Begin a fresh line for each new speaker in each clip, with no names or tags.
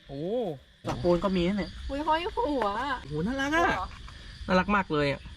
โอ้หลักปูนก็มีเนี่ย
อุ้ยห้อยหัว
โอ้โหน่ารักอ่ะน่ารักมากเลยอ่ะ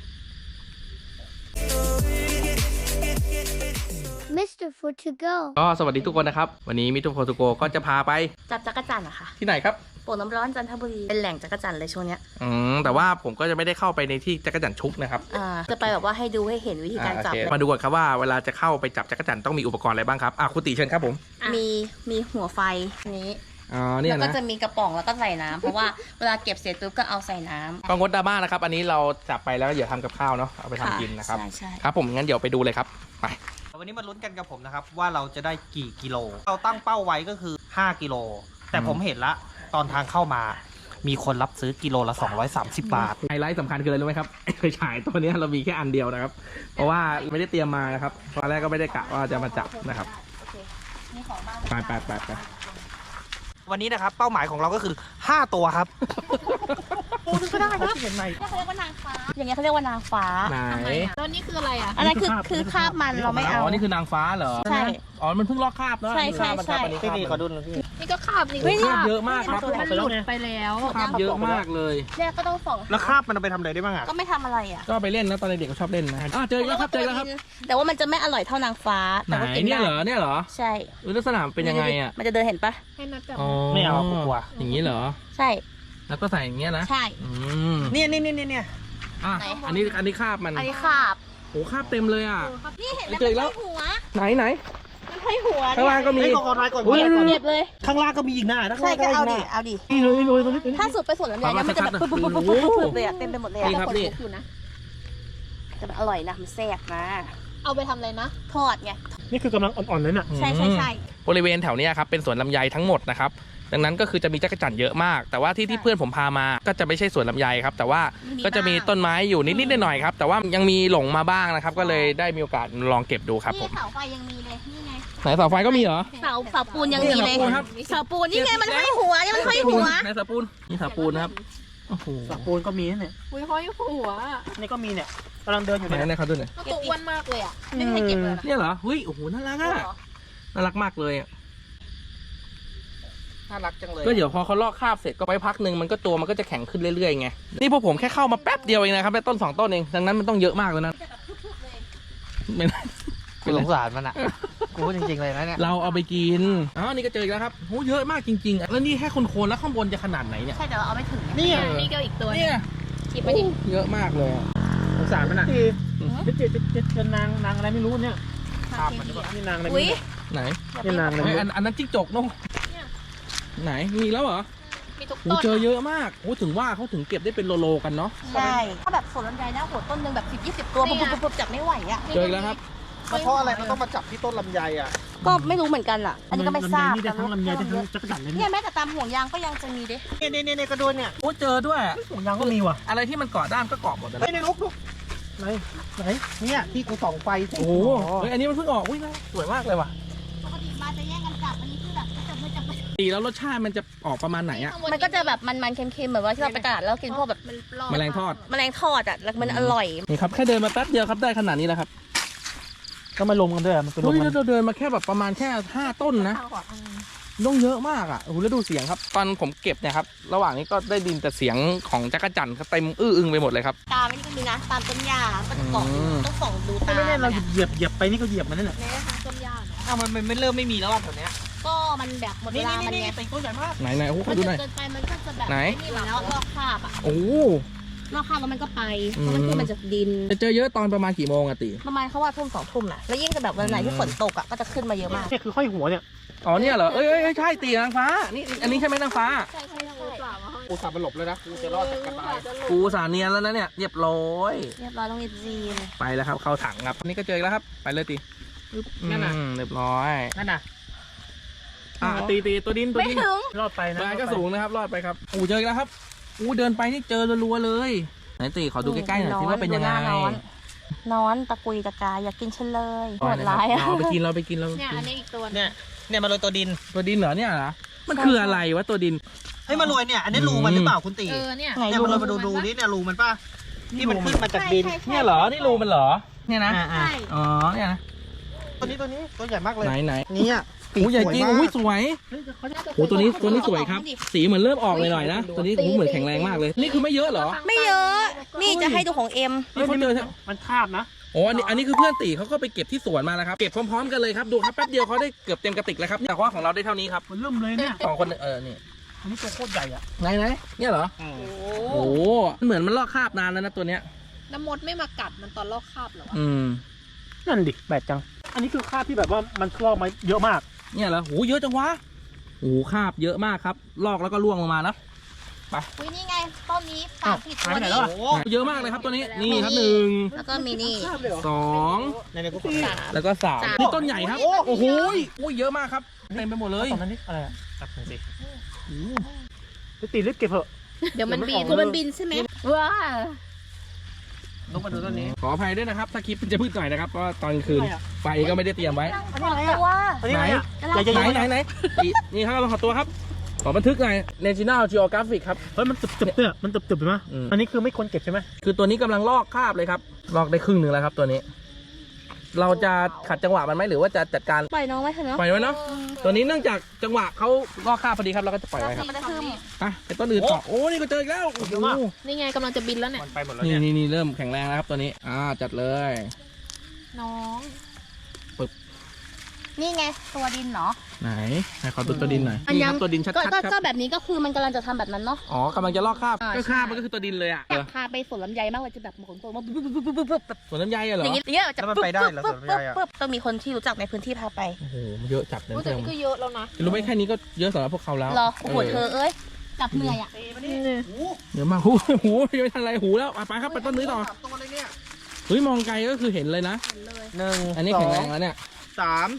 Mr. Food to go
ก็สวัสดีทุกคนนะครับวันนี้มิสเตอร์โฟร์ทูโกก็จะพาไป
จับจักรจันทร์อะค่ะ
ที่ไหนครับ
โป่งน้ำร้อนจันทบุรีเป็นแหล่งจักรจันทร์เลยช่วงเนี้ย
แต่ว่าผมก็จะไม่ได้เข้าไปในที่จักรจั่นชุกนะครับ
จะไปแบบว่าให้ดูให้เห็นวิธีการจับ
โอเคมาดูก่อนครับว่าเวลาจะเข้าไปจับจักรจั่นต้องมีอุปกรณ์อะไรบ้างครับคุณติเชิญครับผม
มีหัวไฟนี้
เนี่ย
แล้วก็
นะ
จะมีกระป๋องแล้วก็ใส่น้ำเพราะว่าเวลาเก็บเสร็จปุ๊บก็เอาใส่น้ำ
ก็งดดราม่านะครับอันนี้เราจับไปแล้วอย่าทำกับข้าวเนาะเอาไปทำกินนะครับ
ใช่
ครับผมงั้นเดี๋ยวไปดูเลยครับไป
วันนี้มาลุ้นกันกับผมนะครับว่าเราจะได้กี่กิโลเราตั้งเป้าไว้ก็คือ5กิโลแต่ผมเห็นละตอนทางเข้ามามีคนรับซื้อกิโลละ230 บาท
ไฮไลท์สำคัญคืออะไรรู้ไหมครับไฟฉายตัวนี้เรามีแค่อันเดียวนะครับเพราะว่าไม่ได้เตรียมมานะครับตอนแรกก็ไม่ได้กะว่าจะมาจับนะครับ
โอเคนี่ของบ้าน
ไป
วันนี้นะครับเป้าหมายของเราก็คือ5ตัวครับ
ปูนึงก็ได้ครับเห็นไหมเขาเรียกว่านางฟ้าอย่างเงี้ยเขาเรียกว่านางฟ้า
ไหน
แล้วนี่คืออะไรอ่ะอันนั้นคือคาบมันเราไม่เอา
นี่คือนางฟ้าเหรอ
ใช่
อ๋อมันเพิ่งลอกคราบเนาะ
ใช่
มันคราบอันนี้คราบ
พี่ขอดูหน่อยพี่
นี่ก็คาบนี่
คราบเยอะมากครับ
มันหลุดไปแล้ว
คราบเยอะมากเลย
เนี่ยก็ต้องส่อง
แล้วคราบมันเอาไปทำอะไรได้บ้างอ่ะ
ก็ไม่ทำอะไรอ่ะ
ก็ไปเล่นนะตอนเด็กๆก็ชอบเล่นนะเจออีกแล้วครับ
แต่ว่ามันจะไม่อร่อยเท่านางฟ้า
ไหน
แต่ว่ากิน
เนี่ย
ได้
เหรอ
ใช่
ลักษณะเป็นยังไงอ่ะ
มันจะเดินเห็นปะ
อ๋อ
ไม่เอากลัว
อย่างนี้เหรอ
ใช่
แล้วก็ใส่อย่างเงี้ยนะ
ใช่
เนี่ย
อ่ะ
ไหน
อันนี้คราบมัน
อันนี้คาบ
โอ้คราบเต็มเลยอ่ะ
นี่เห็นไหม
เจออีกแล้ว
มันห้อยหัว
ไหน
มันห้อยหัว
ข้างล่างก็มี
ไอ้ก่อนก่อน
อุ๊ย
เก็บเลย
ข้างล่างก็มีอีกหน้าข้าง
ใช่
ล่าง
ก็
ก็
เอา
อีกห
ดิ
น้า
เอาดิ
นี่เลยตรงนี้
ถ้าสุดไปส่วนลำไยเนี่ยมันจะแบบปุ๊บเลยอะเต็มไปหมดเลย
นี่
อะ
ครับนี่
แต่มันอร่อยนะมันแซ่บนะ
เอาไปทำอะไรนะ
ทอดไง
นี่คือกำลังอ่อนๆเลยน่ะ
ใช่
บริเวณแถวเนี้ยครับเป็นสวนลำไยทั้งหมดนะครับดังนั้นก็คือจะมีจักรจั่นเยอะมาก แต่ว่าที่เพื่อนผมพามาก็จะไม่ใช่สวนลำไยครับแต่ว่าก็จะมีต้นไม้อยู่นิดๆหน่อยๆครับแต่ว่ายังมีหลงมาบ้างนะครับก็เลยได้มีโอกาสลองเก็บดูครับผ
นี่
ม
เสาไฟยังมีเลยนี่ไง
ไหนเสาไฟก็มีเหรอ
เสาปูนยังมีเลย
นี่เสาปูนครับ
เสาปูนนี่ไงมันห้อยหัวนี่มันห้อยหัว
ไหนเสาปูนนี่เสาปูนนะครับโอ้โห
หลักปูนก็มีเนี่ย
อุ้ยห้อยหัว
นี่ก็มีเนี่ยกำลังเดินอยู่
ไหน
เนี่ย
ไหนเขาดูหน่อย
ก็ตัวอ้วนมากเลยอ่ะ
ไม่ให้เก็บเลยเหรอ
เนี่ยเหรอเฮ้ยโอ้โหน่ารักอ่ะน่ารักมากเลยอ่ะ
น่ารักจังเลย
ก็เดี๋ยวพอเขาลอกคราบเสร็จก็ไปพักหนึ่งมันก็ตัวมันก็จะแข็งขึ้นเรื่อยๆไงนี่พวกผมแค่เข้ามาแป๊บเดียวเองนะครับได้ต้น2ต้นเองดังนั้นมันต้องเยอะมากเลยนะไม่ได้
กูสงสารมันอ่ะกูพูดจริงๆเลยนะเนี่ย
เราเอาไปกินนี่ก็เจออีกแล้วครับโหเยอะมากจริงๆแล้วนี่แค่โคนๆแล้วข้างบนจะขนาดไหนเนี่ย
ใช่เดี๋ยวเราเอาไม่ถึง
นี่
นี่ก็อีกตัว
เนี่ย
คิดไปดิ
เยอะมากเลยอะ
สงสารมันอ่ะจะนางอะไรไม่รู้เนี่ยนี่นางอะไร
อุ้ย
ไหน
นี่นางอะไร
เฮ้ยอันนั้นจิ้งจกเนอะไหนมีแล้วเหรอ
มีทุก
โห
ต้น
เจอเยอะมากโหถึงว่าเขาถึงเก็บได้เป็นโลๆกันเนาะ
ใช่ถ้าแบบสวนลำไยนะโหต้นหนึ่งแบบ10-20 ตัวปุ๊บจับไม่ไหวอ่ะ
เจออีกแล้วครับ
เพราะอะไรมันต้องมาจับที่ต้นลำไยอ่ะ
ก็ไม่รู้เหมือนกันอ่ะ อันนี้ก็ไม่ทราบ
นี่ได้ทั้งลำไยได้ทั้งจักรจั่นเลย
เนี่ยแม้แต่ตามห่วงยางก็ยังจะมีเด้
เนี่ยกระโดนเนี่ย
โอ้เจอด้วย
ถุงยางก็มีว่ะ
อะไรที่มันเกาะด้ามก็เกาะหมดเลย
เฮ้ยในลุกไหนเนี่ยที่กูส่องไฟ
โอ้โหเฮ้ยอันนี้มันเพิ่งออกอุ้ยน่าสวยมากเลยว่ะ
ปกติมาจะแย่งกันจับอันนี้คือแบบจับไม่จับ
ตีแล้วรสชาติมันจะออกประมาณไหนอะ
มันก็จะแบบมันๆเค็มๆเหมือนว่าที่เราไปตลาดแล้วกินพวกแบบ
มันปลอด
แมลงทอด
แมลงทอดอ่ะแล้วมันอร่อย
นี่ครับแค่เดินมาแป๊บเดียวครับได้ขนาดนี้แล้วครับ
ก็มาลมกันด้วยมันเป็นล
เฮ้
ม
ย
กัน
เราเดินมาแค่แบบประมาณแค่5ต้นนะต้องเยอะมากอ่ะโอ้โหแล้วดูเสียงครับตอนผมเก็บเนี่ยครับระหว่างนี้ก็ได้ดินแต่เสียงของจักรจั่นเต็มอึ้งไปหมดเลยครับ
ตามไม่นี่ก็มีนะตามต้นหญ้าก็จะเกาะต้องส่องดูตา
ไม่ได้เราเหยียบไปนี่ก็เหยียบมันนั่นแหละ
แม้กระทั่งต้นหญ้าเนาะ
มันไม่เริ่มไม่มีแล้วอ่ะแถวเนี้ย
ก็มันแบบหมดเวลามันไง
ตีต้นใหญ่มาก
ไหนโอ้โหข
มั
อน ดู
จะ
หน่อย
เกินไปมันก็จะแบบ
ไหน
นี่แล้วลอกคราบอ่ะ
โอ้โห
ลอกคราบแล้วมันก็ไปเพราะมันคือมันจากดิน
จะเจอเยอะตอนประมาณกี่โมงอะติ
ประมาณเขาว่าทุ่ม2 ทุ่มนะแล้วยิ่งจะแบบวันไหนที่ฝนตกอ่ะก็จะขึ้นมาเยอะมาก
เนี่ยคือห้อยหัวเนี่ย
อ๋อเนี่ยเหรอเอ้ยใช่ตีนางฟ้านี่อันนี้ใช่ไหมนางฟ้า
ใช่เปล่ามาห้อย
กูสับมันหลบเลยนะกูจะรอดจากกันตาย
กูสาเนียนแล้วนะเนี่ยเรียบร้อย
เรียบร้อยต้องรีบจีน
ไปแล้วครับเข้าถังครับนี่ก็เจออีกแล้วครับไปเลยตี
นั่นน่ะ
เรียบร้อย
นั่นน่ะ
ตีตัวดิน
ไม่ถึง
รอดไปนะ
ปลายก็สูงนะครับรอดไปครับเจออีกแล้วครับเดินไปนี่เจอรัวๆเลยไหนตีขอดูใกล้ๆหน่อยสิว่าเป็นยังไง
นอนตะกุยตะกายอยากกินฉันเลยโหดร้ายอ่ะ
เราไปกินเรา
เนี่ยอันนี้อีกตัว
เนี่ยมาโรยตัวดิน
ตัวดินเหรอเนี่ยเหรอมันคืออะไรวะตัวดิน
เฮ้ยมาโรยเนี่ยอันนี้รูมันหรือเปล่าคุณตี
เนี่ย
ไหน
เนี่ย
ดู
มาโรยมาดูนี่เนี่ยรูมันป่ะที่มันขึ้นมาจากดิน
เนี่ยเหรอนี่รูมันเหรอเนี่ยนะ
อ่า
อ๋อเนี่ยนะ
ตัวนี้ตัวใหญ่มากเลย
ไหน
เนี่ย
โอ้ใหญ่จริง
สวยมาก
โอ้ยสวยโอ้ตัวนี้สวยครับ สีเหมือนเริ่มออกเลยหน่อยนะ ตัวนี้โอ้เหมือนแข็งแรงมากเลย นี่คือไม่เยอะเหรอ
ไม่เยอะ นี่จะให้ดูของเอ็ม
นี่เขาเจอ
มันคาบนะ
โอ้อันนี้คือเพื่อนตีเขาก็ไปเก็บที่สวนมาแล้วครับ เก็บพร้อมๆกันเลยครับ ดูครับแป๊บเดียวเขาได้เกือบเต็มกระติกแล้วครับแต่ว่าของเราได้เท่านี้ครับ
มันเริ่มเลยเนี่ย
สองคนนี่
อันนี้ตัวโคตรใหญ่อ่ะ
ไหนเนี่ยเหรอ โอ้เหมือนมันลอกคราบนานแล้วนะตัวเนี้ย
น้ำมดไม่มากัดมันตอนลอกคราบเหรอวะ
นั่นดิแปลกจัง อันนี้คือคาบที่แบบว่ามันลอกมาเยอะมาก
เนี่ยเหรอโหเยอะจังวะโอ้คราบเยอะมากครับ ลอกแล้วก็ล่วงลงมานะ
อุ้ยนี่ไงต้นนี้30
หาย
ตัว
ไปไหน
นี้
แล้วอะ
โอ้
เยอะมากเลยครับตัวนี้ นี่ครับ
แล้วก็มีนี่
คาบเลยเหรอ
1
ในกูขอ
2แล้วก็3นี่ต้นใหญ่ครับ โอ้โหเยอะมากครับ เต็มไปหมดเลย
ตอนนั้นนี่อะไรอ่ะจับหน่อยสิไปตีรีบเก็บเถอะ
เดี๋ยวมันบิน
เดี๋ยวมัน
บินใช่ไหม
ว้า
ลงมาดูต้นนี้
ขออภัยด้วยนะครับ ถ้าคลิปมันจะพืชหน่อยนะครับ เพราะว่าตอนกลางคืน ไฟก็ไม่ได้เตรียมไว้
อันนี้อะไร
ตั
อ่ะ
ว
อันนี้อะไรอ่ะ
ไหน
ใหญ่ๆ
ไหนนี่ครับเราขอตัวครับ ขอบันทึกหน่อย National Geographic ครับ
เฮ้ยมันตึบๆเนี่ยมันตึบๆเห็นไหม
อืม
อันนี้คือไม่ควรเก็บใช่ไหม
คือตัวนี้กำลังลอกคราบเลยครับ ลอกได้ครึ่งหนึ่งแล้วครับตัวนี้ เราจะขัดจังหวะมันไหมหรือว่าจะจัดการ
ปล่อยน้องไว้เถอะเนาะ
ปล่อยไว้เนาะ ตัวนี้เนื่องจากจังหวะเขาลอกคราบพอดีครับเราก็จะปล่อยไว้ครับ
มันจะขึ้น
อ่ะไปต้นอื่นต่อโอ้นี่ก็เจออีกแล้วโอ้โห
นี่ไงกำลังจะบินแล้วเนี่ย
มันไปหมดแล้ว
นี่
เนี่ย
เริ่มแข็งแรงแล้วครับตัวนี้จัดเลย
น้อง
นี่ไงตัวดินเนาะ
ไหนให้ขอดูตัวดินหน่อยนี่ครับตัวดินชัดๆค
ก็
รับ
แบบนี้ก็คือมันกำลังจะทำแบบนั้นเนาะ
อ๋อกำลังจะลอกคราบ
อ่า
ก็คราบ
ใช่
มันก็คือตัวดินเลยอ่ะ
อยากพาไปสวนลำไยมากเลยจะแบบขนตัวมาปุ๊บ
สวนลำไยอะเหรอ
อย่างเงี้ยจะ
แล้วมันไปได้เหรอสวนลำไยอะ
ต้องมีคนที่รู้จักในพื้นที่พาไป
โอ้โหเยอะจัดเลย
แต่
เพื่อน
นี่ก็เยอะแล้วนะ
รู้ไหมแค่นี้ก็เยอะสำหรับพวกเขาแล้ว
รอโอ้โหเธอเอ้ยจับเหนื่อยอ่ะ
เยอะมากหูยังไม่ทันไรหูแล้วไปครับไปต้นนี้ต่อ
ตัวเลยเนี่ย
เฮ้ยมองไกลก็คือเห็นเลยนะ
1
อันนี้แข็งแรงแล้วเนี่ย
2 3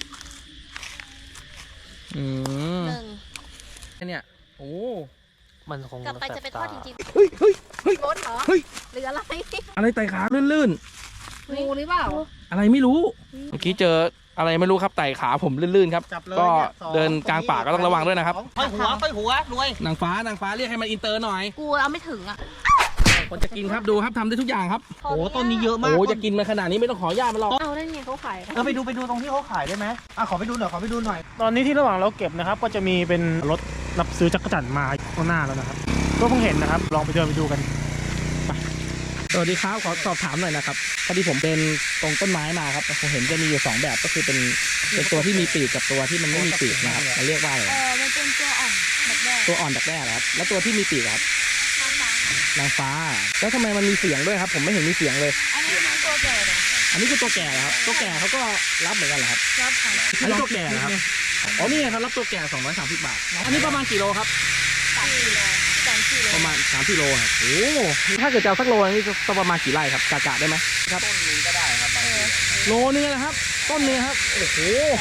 อืม
หนึ่ง
แค่เนี่ยโอ้
มันคง
กลับไปจะไปทอดจริง
เฮ้ย
รถเหรอ
เฮ้ย
หรืออะไร
อะไรไต่ขาลื่น
งูหรือเปล่า
ๆอะไรไม่รู้เมื่อกี้เจออะไรไม่รู้ครับไต่ขาผมลื่นๆครับ
จับเลย
ก็
เนี่ยสอง
เดินกลางป่าก็ต้องระวังด้วยนะครับ
ค่อยหัวรวย
นางฟ้เรียกให้มันอินเตอร์หน่อย
ๆกูเอาไม่ถึงอ่ะ
คนจะกินครับดูครับทำได้ทุกอย่างครับ
โอ้ต้นนี้เยอะมาก
โอ้จะกินมาขนาดนี้ไม่ต้องขออนุญาตมันหรอก
เอาได้ไงเขาขาย
ไปดูตรงที่เขาขายได้ไหมขอไปดูหน่อย
ตอนนี้ที่ระหว่างเราเก็บนะครับ ก็จะมีเป็นรถรับซื้อจักรจั่นมาข้างหน้าแล้วนะครับ ก็เพิ่งเห็นนะครับ ลองไปเดินไปดูกัน
สวัสดีครับขอสอบถามหน่อยนะครับพอดีผมเป็นตรงต้นไม้มาครับผมเห็นจะมีอยู่2แบบก็คือเป็นตัวที่มีปีกกับตัวที่มันไม่มีปีกนะครับมันเรียกว่าอะไร
มันเป็นตัวอ่อนแบบแรก
ตัวอ่อนดักแด้เหรอครับแล้วตัวที่มีปีกครับนางฟ้าแล้วทำไมมันมีเสียงด้วยครับ ผมไม่เห็นมีเสียงเลย
อันนี้มันตัวแก่เลย
อันนี้คือตัวแก่เหรอครับตัวแก่เขาก็รับเหมือนกันเหรอครับ
รับค่ะ
อันนี้ตัวแก่เหรอครับอ๋อนี่ไงครับรับตัวแก่230 บาทอันนี้ประมาณกี่โลครับ
3 กิโล
ประมาณ3 กิโลครับโอ้ถ้าเกิดจะเอาสักโลนี่จะประมาณกี่ไร่ครับกะได้ไหมครับต้นนึงก็ได้ครับโลนึงนะครับต้นนึงครับโอ้โห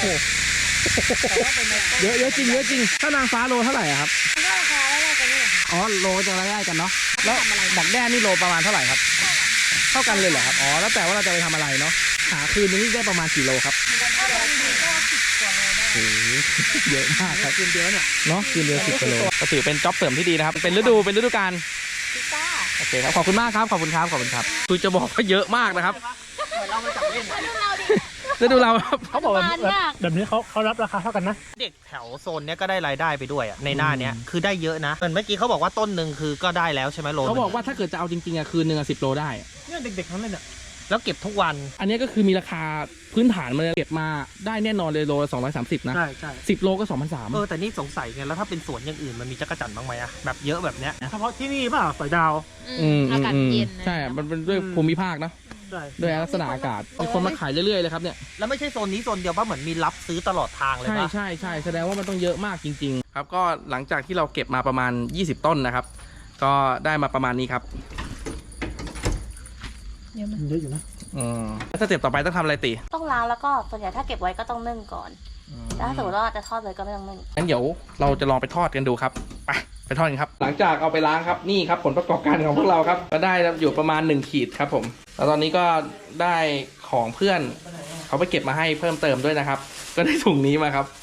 เยอะจริงถ้านางฟ้าโลเท่าไหร่อะครับ
มันก็ราคาไล่ๆกันนี่แหละ
อ๋อโลจะไล่ๆกันเนาะแล้วดักแด้นี่โลประมาณเท่าไหร่ครับเท่ากันเลยเหรอครับอ๋อแล้วแต่ว่าเราจะไปทำอะไรเนาะหาคืนนึงนี่ได้ประมาณกี่โลครับ
ถ้าลงดีก็10 กว่าโลได้
โอ้โหเยอะมากครับคืนเดียวเนี่ยเนาะคืนเดียว10 กิโลก็ถือเป็นจ็อบเสริมที่ดีนะครับเป็นฤดูกาล
พิซซ่า
โอเคครับขอบคุณมากครับขอบคุณครับคือจะบอกว่าเยอะมากนะครับ
เรามาจับเล่น
ฤดูเราครับ
เขาบอกแบบนี้เขารับราคาเท่ากันนะ
เด็กแถวโซนเนี้ยก็ได้รายได้ไปด้วยในหน้าเนี้ยคือได้เยอะนะเหมือนเมื่อกี้เขาบอกว่าต้นหนึ่งคือก็ได้แล้วใช่ไหมโล
เขาบอกว่าถ้าเกิดจะเอาจริงๆอะคืนนึงอะ10 โลได้
เนี่ยเด็กๆทั้งนั้นเลยเนี่ย
แล้วเก็บทุกวัน
อันนี้ก็คือมีราคาพื้นฐานมันเก็บมาได้แน่นอนเลยโลละ230นะ
ใช่
10 โลก็2,300
แต่นี่สงสัยไงแล้วถ้าเป็นสวนอย่างอื่นมันมีจักรจั่นบ้างไหมอะแบบเยอะแบบเนี้ย
เฉพาะที่นี่เปล่าสอยดาว
อากาศเย็นนะ
ใช่ มันเป็นด้วยภูมิภาคเนอะ
ใช่
ด้วยลักษณะอากาศมีคนมาขายเรื่อยๆเลยครับเนี่ย
แล้วไม่ใช่โซนนี้โซนเดียวป่ะเหมือนมีรับซื้อตลอดทางเลย
ใช่
ป่ะ
ใช่แสดงว่ามันต้องเยอะมากจริงๆ ครับก็หลังจากที่เราเก็บมาประมาณ20 ต้นนะครับ ก็ได้มาประมาณนี้ครับ
เยอะอยู่นะ
สเต็ปต่อไปต้องทำอะไรตี
ต้องล้างแล้วก็ส่วนใหญ่ถ้าเก็บไว้ก็ต้องนึ่งก่อนแล้วถ้าสมมติว่าจะทอดเลยก็ไม่ต้องนึ่ง
งั้นเดี๋ยวเราจะลองไปทอดกันดูครับไปทอดกันครับ หลังจากเอาไปล้างครับนี่ครับผลประกอบการของพวกเราครับก็ได้อยู่ประมาณ1 ขีดครับผมแล้วตอนนี้ก็ได้ของเพื่อนเขาไปเก็บมาให้เพิ่มเติมด้วยนะครับ ก็ได้ถุงนี้มาครับ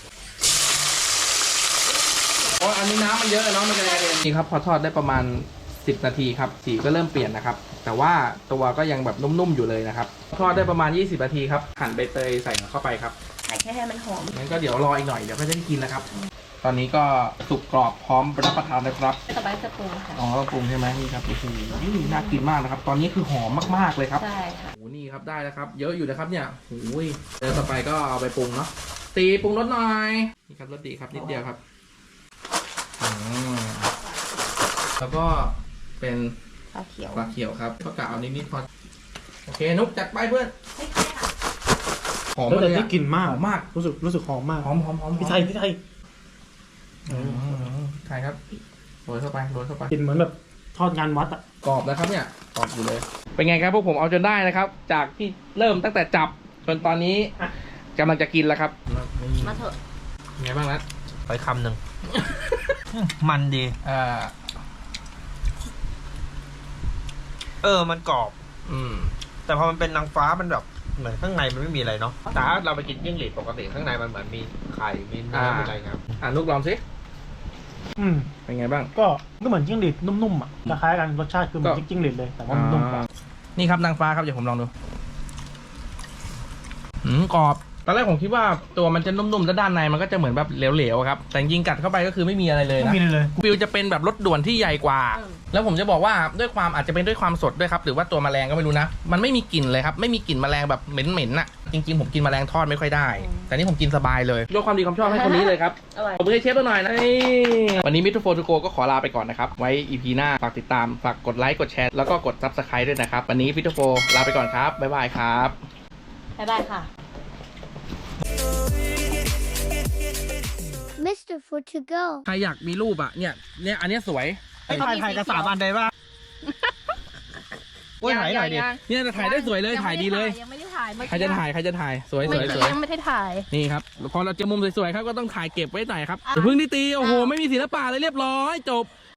โอ้อันนี้น้ำมันเยอะเนาะมันจะกระเด็นนี่ครับพอทอดได้ประมาณ10 นาทีครับสีก็เริ่มเปลี่ยนนะครับแต่ว่าตัวก็ยังแบบนุ่มๆอยู่เลยนะครับทอดได้ประมาณ20 นาทีครับหั่นใบเตยใส่เข้าไปครับ
ใส่แค่ให้มันหอม
งั้นก็เดี๋ยวรออีกหน่อยเดี๋ยวก็จะได้กินนะครับ ตอนนี้ก็สุกกรอบพร้อมรับประทานนะครับ
สบายสปรุงค่ะ
อ๋อต้องปรุงใช่ไหมนี่ครับโอ้โหน่ากินมากนะครับ ตอนนี้คือหอมมากๆเลยครับ
ใช่ค่ะ
โอ้โหนี่ครับได้แล้วครับ เยอะอยู่นะครับเนี่ยโอ้ยเดี๋ยวต่อไปก็เอาไปปรุงเนาะตีปรุงรสหน่อยนี่ครับรสดีครับนิดเดียวครับอืมแล้วก็เป็น
ปลาเขียว
ปลาเขียวครับก็กะเอานิดๆพอโอเคนุ๊กจัดไปเพื่อนหอม
แล้ว
มา
แต่
เลย
ที่
อะ
กลิ่นมาก
หอมมาก
รู้สึกหอมมาก
หอมหอมหอม
พี่ไทย
ใช่ครับโรยเข้าไปโรยเข้าไป
กลิ่นเหมือนแบบทอดงานวัดอ่ะ
กรอบนะครับเนี่ยกรอบอยู่เลย เป็นไงครับพวกผมเอาจนได้นะครับ จากที่เริ่มตั้งแต่จับจนตอนนี้กำลังจะกินแล้วครับ
มาเถอะ
เป็นไงบ้างนัด
ไปคำหนึ่ง มันดี มันกรอบ
อืม
แต่พอมันเป็นนางฟ้ามันแบบเหมือนข้างในมันไม่มีอะไรเนาะแต่ถ้าเราไปกินจิ้งหรีดปกติข้างในมันเหมือนมีไข่มีเนื้อมีอะไรครับ
นุกลองสิ
อืม
เป็นไงบ้าง
ก็เหมือนจิ้งหรีดนุ่มๆอ่ะคล้ายๆกันรสชาติคือเหมือนจิ้งหรีดเลยแต่ว่ามันนุ่มกว่า
นี่ครับนางฟ้าครับเดี๋ยวผมลองดูกรอบตอนแรกผมคิดว่าตัวมันจะนุ่มๆแล้วด้านในมันก็จะเหมือนแบบเหลวๆครับแต่จริงๆกัดเข้าไปก็คือไม่มีอะไรเลย
ไม่
นะ
มีเลย
ฟิลจะเป็นแบบรสด่วนที่ใหญ่กว่า แล้วผมจะบอกว่าด้วยความอาจจะเป็นด้วยความสดด้วยครับหรือว่าตัวแมลงก็ไม่รู้นะมันไม่มีกลิ่นเลยครับไม่มีกลิ่นแมลงแบบเหม็นๆน่ะจริงๆผมกินแมลงทอดไม่ค่อยได้ แต่นี่ผมกินสบายเลยยกความดีความชอบให้คนนี้เลยครับ
อร่อย
ขอบคุณให้เชฟตัวหน่อยนะนี่วันนี้มิทูโฟทูโกก็ขอลาไปก่อนนะครับไว้ EP หน้าฝากติดตามฝากกดไลค์กดแชร์แล้วก็กด Subscribe ด้วยนะครับวันนี้มิทูโฟลาไปก่อนครับบ๊ายบายครับ
บ๊ายบายค่ะ
Mr. For to go.
ใครอยากมีรูปอ่ะเนี่ยอันเนี้ยสวย
ไอ้ถ่ายกับ3 อันได้ป่ะโอ้ยถ่ายหน่อยดิ
เนี่ยจะถ่ายได้สวยเลยถ่ายดีเลย
ยังไม่ได้ถ่าย
ใครจะถ่ายสวย
ไม่
สวย
ยังไม่ได้ถ่าย
นี่ครับพอเราเจอมุมสวยๆครับก็ต้องถ่ายเก็บไว้หน่อยครับอย่าเพิ่งได้ตีโอ้โหไม่มีศิลปะเลยเรียบร้อยจบ